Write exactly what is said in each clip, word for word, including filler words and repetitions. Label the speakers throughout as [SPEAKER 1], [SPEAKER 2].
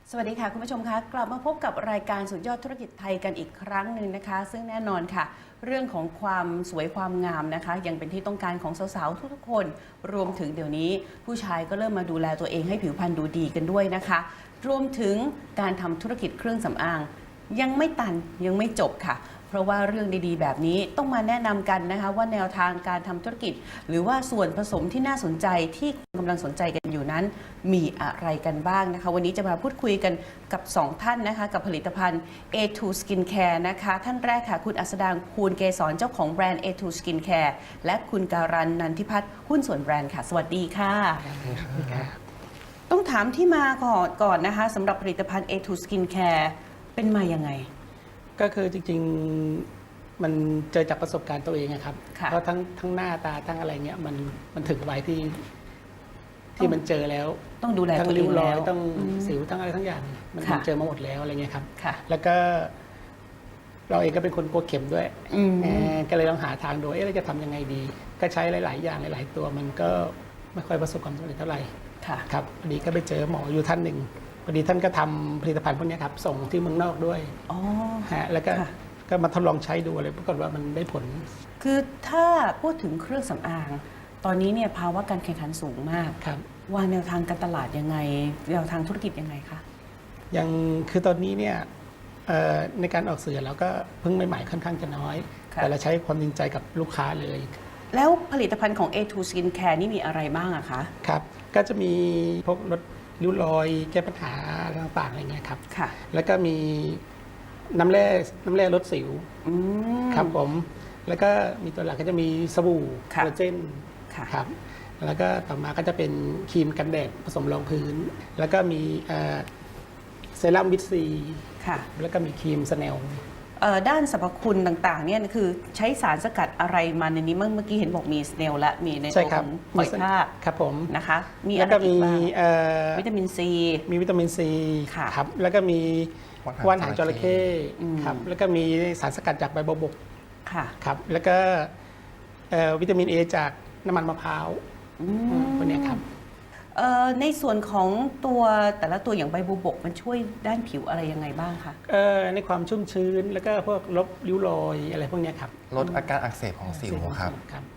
[SPEAKER 1] สวัสดีค่ะคุณผู้ชมคะกลับมาพบกับรายการสุดยอดธุรกิจไทยกันอีกครั้งหนึ่งนะคะ ซึ่งแน่นอนค่ะเรื่องของความสวยความงามนะคะยังเป็นที่ต้องการของสาวๆทุกๆคนรวมถึงเดี๋ยวนี้ผู้ชายก็เริ่มมาดูแลตัวเองให้ผิวพรรณดูดีกันด้วยนะคะรวมถึงการทำธุรกิจเครื่องสำอางยังไม่ตันยังไม่จบค่ะเพราะว่าเรื่องดีๆแบบนี้ต้องมาแนะนำกันนะคะว่าแนวทางการทำธุรกิจหรือว่าส่วนผสมที่น่าสนใจที่กำลังสนใจกันอยู่นั้นมีอะไรกันบ้างนะคะวันนี้จะมาพูดคุยกันกับสองท่านนะคะกับผลิตภัณฑ์ เอ ทู Skincare นะคะท่านแรกค่ะคุณอัสดางภูลเกษรเจ้าของแบรนด์ เอ ทู Skincare และคุณการันนันทิพัฒน์หุ้นส่วนแบรนด์ค่ะสวัสดีค่ะต้องถามที่มาก่อนก่อนนะคะสำหรับผลิตภัณฑ์ เอ ทู Skincare เป็นมายังไง
[SPEAKER 2] ก็คือจริงๆมันเจอจากประสบการณ์ตัวเองครับเพราะทั้งทั้งหน้าตาทั้งอะไรเงี้ยมันมันถึงวัยที่ที่มันเจอแล้ว
[SPEAKER 1] ต้องดูแลตัวเองแล้ว
[SPEAKER 2] ต้องสิวทั้งอะไรทั้งอย่างมันเจอมาหมดแล้วอะไรเงี้ยครับแล้วก็ เราเองก็เป็นคนกลัวเข็มด้วยก็เลยต้องหาทางดูเอ๊ะเราจะทำยังไงดีก็ใช้หลายๆอย่างหลายๆตัวมันก็ไม่ค่อยประสบความสำเร็จเท่าไหร่ครับพอดีก็ไปเจอหมออยู่ท่านหนึ่งพอดีท่านก็ทำผลิตภัณฑ์พวกนี้ครับส่งที่เมืองนอกด้วยอ๋อฮะแล้วก็ก็มาทดลองใช้ดูอะไรปรากฏว่ามันได้ผล
[SPEAKER 1] คือถ้าพูดถึงเครื่องสำอางตอนนี้เนี่ยภาวะการแข่งขันสูงมากครับวางแนวทางการตลาดยังไงแนวทางธุรกิจยังไงคะ
[SPEAKER 2] ยังคือตอนนี้เนี่ยในการออกสื่อเราก็เพิ่งใหม่ๆค่อนข้างจะน้อยแต่เราใช้ความจริงใจกับลูกค้าเลย
[SPEAKER 1] แล้วผลิตภัณฑ์ของ เอ ทู Skincare นี่มีอะไรบ้างอะคะ
[SPEAKER 2] ครับก็จะมีพวกลดริ้วรอยแก้ปัญหาต่างๆอะไรเงี้ยครับค่ะแล้วก็มีน้ำแร่น้ำแร่ลดสิวครับผมแล้วก็มีตัวหลักก็จะมีสบู่คอลลาเจนครับแล้วก็ต่อมาก็จะเป็นครีมกันแดดผสมรองพื้นแล้วก็มีเซรั่มวิตซีค่ะแล้วก็มีครีมสแนล
[SPEAKER 1] ด้านสรรพคุณต่างๆเนี่ยคือใช้สารสกัดอะไรมาในนี้เมื่อกี้เห็นบอกมีสเนลและมีในตัวของหอยทาก
[SPEAKER 2] ครับผม
[SPEAKER 1] นะคะมีอะไรอีกบ้างวิตามินซี
[SPEAKER 2] มีวิตามินซีครับแล้วก็มีว่านหางจระเข้ครับแล้วก็มีสารสกัดจากใบบัวบกครับแล้วก็วิตามินเอจากน้ำมันมะพร้าวพวกนี้ครับ
[SPEAKER 1] ในส่วนของตัวแต่ละตัวอย่างใบบัวบกมันช่วยด้านผิวอะไรยังไงบ้างคะ
[SPEAKER 2] ในความชุ่มชื้นแล้วก็พวกลบริ้วรอยอะไรพวกนี้ครับ
[SPEAKER 3] ลดอาการอักเสบของสิวครับ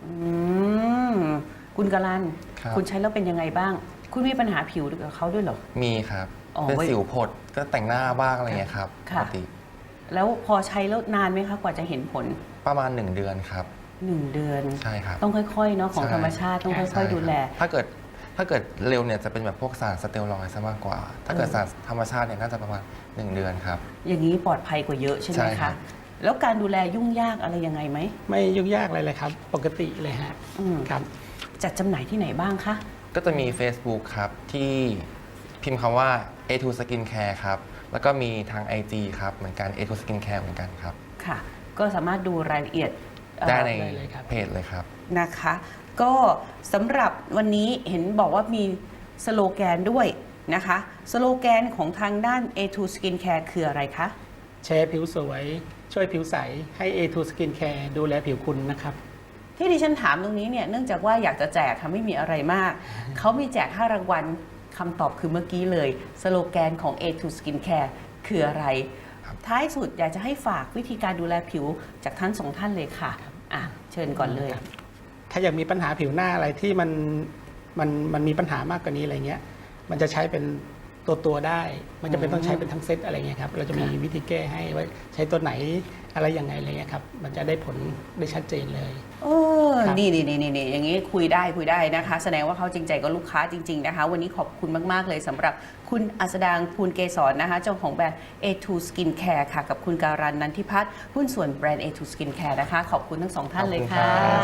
[SPEAKER 1] คุณกาลันคุณใช้แล้วเป็นยังไงบ้างคุณมีปัญหาผิวกับเขาด้วยเหรอ
[SPEAKER 3] มีครับเป็นสิวผดก็แต่งหน้าบ้างอะไรเงี้ยครับปกติ
[SPEAKER 1] แล้วพอใช้แล้วนานไหมคะกว่าจะเห็นผล
[SPEAKER 3] ประมาณหนึ่งเดือนครับ
[SPEAKER 1] หนึ่งเดือน
[SPEAKER 3] ใช่ครับ
[SPEAKER 1] ต้องค่อยๆเนาะของธรรมชาติต้องค่อยๆดูแล
[SPEAKER 3] ถ้าเกิดถ้าเกิดเร็วเนี่ยจะเป็นแบบพวกสารสเตียรอยด์ซะมากกว่า ถ้าเกิดสารธรรมชาติเนี่ยน่าจะประมาณหนึ่งเดือนครับ
[SPEAKER 1] อย่างนี้ปลอดภัยกว่าเยอะใช่ไหมคะแล้วการดูแลยุ่งยากอะไรยังไงไหม
[SPEAKER 2] ไม่ยุ่งยากอะไรเลยครับปกติเลยฮะครับ
[SPEAKER 1] จัดจำหน่ายที่ไหนบ้างคะ
[SPEAKER 3] ก็จะมี Facebook ครับที่พิมพ์คำว่า เอ ทู Skincare ครับแล้วก็มีทาง ไอ จี ครับเหมือนกัน เอ ทู Skincare เหมือนกันครับ
[SPEAKER 1] ค่ะก็สามารถดูรายละเอียด
[SPEAKER 3] ได้ในเพจเลยครับ
[SPEAKER 1] นะคะก็สำหรับวันนี้เห็นบอกว่ามีสโลแกนด้วยนะคะสโลแกนของทางด้าน เอ ทู Skincare คืออะไรคะ
[SPEAKER 2] แชร์ผิวสวยช่วยผิวใสให้ เอ ทู Skincare ดูแลผิวคุณนะครับ
[SPEAKER 1] ที่ดิฉันถามตรงนี้เนี่ยเนื่องจากว่าอยากจะแจกค่ะไม่มีอะไรมากเขามีแจกห้ารางวัลคำตอบคือเมื่อกี้เลยสโลแกนของ เอ ทู Skincare คืออะไรท้ายสุดอยากจะให้ฝากวิธีการดูแลผิวจากท่านสองท่านเลยค่ะอ่ะเชิญก่อนเลย
[SPEAKER 2] ถ้าอยากมีปัญหาผิวหน้าอะไรที่มันมันมันมีปัญหามากกว่านี้อะไรเงี้ยมันจะใช้เป็นตัวตัวได้มันจะเป็นต้องใช้เป็นทั้งเซตอะไรเงี้ยครับเราจะมีวิธีแก้ให้ว่าใช้ตัวไหนอะไรยังไงอะไรเงี้ยครับมันจะได้ผลได้ชัดเจนเลย
[SPEAKER 1] โอ้นี่นี่นี่นี่อย่างนี้คุยได้คุยได้นะคะแสดงว่าเขาจริงใจกับลูกค้าจริงๆนะคะวันนี้ขอบคุณมากๆเลยสำหรับคุณอัสดางภูลเกษรนะคะเจ้าของแบรนด์ เอ ทู Skincare ค่ะกับคุณการันนันทิพัฒน์หุ้นส่วนแบรนด์ เอ ทู Skincare นะคะขอบคุณทั้งสองท่านเลยค่ะ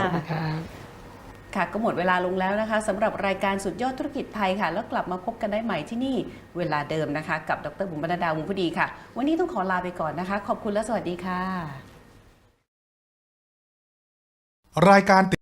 [SPEAKER 1] ค่ะก็หมดเวลาลงแล้วนะคะสำหรับรายการสุดยอดธุรกิจไทยค่ะแล้วกลับมาพบกันได้ใหม่ที่นี่เวลาเดิมนะคะกับดรบุ๋มบรรดาวงศ์พอดีค่ะวันนี้ต้องขอลาไปก่อนนะคะขอบคุณและสวัสดีค่ะรายการ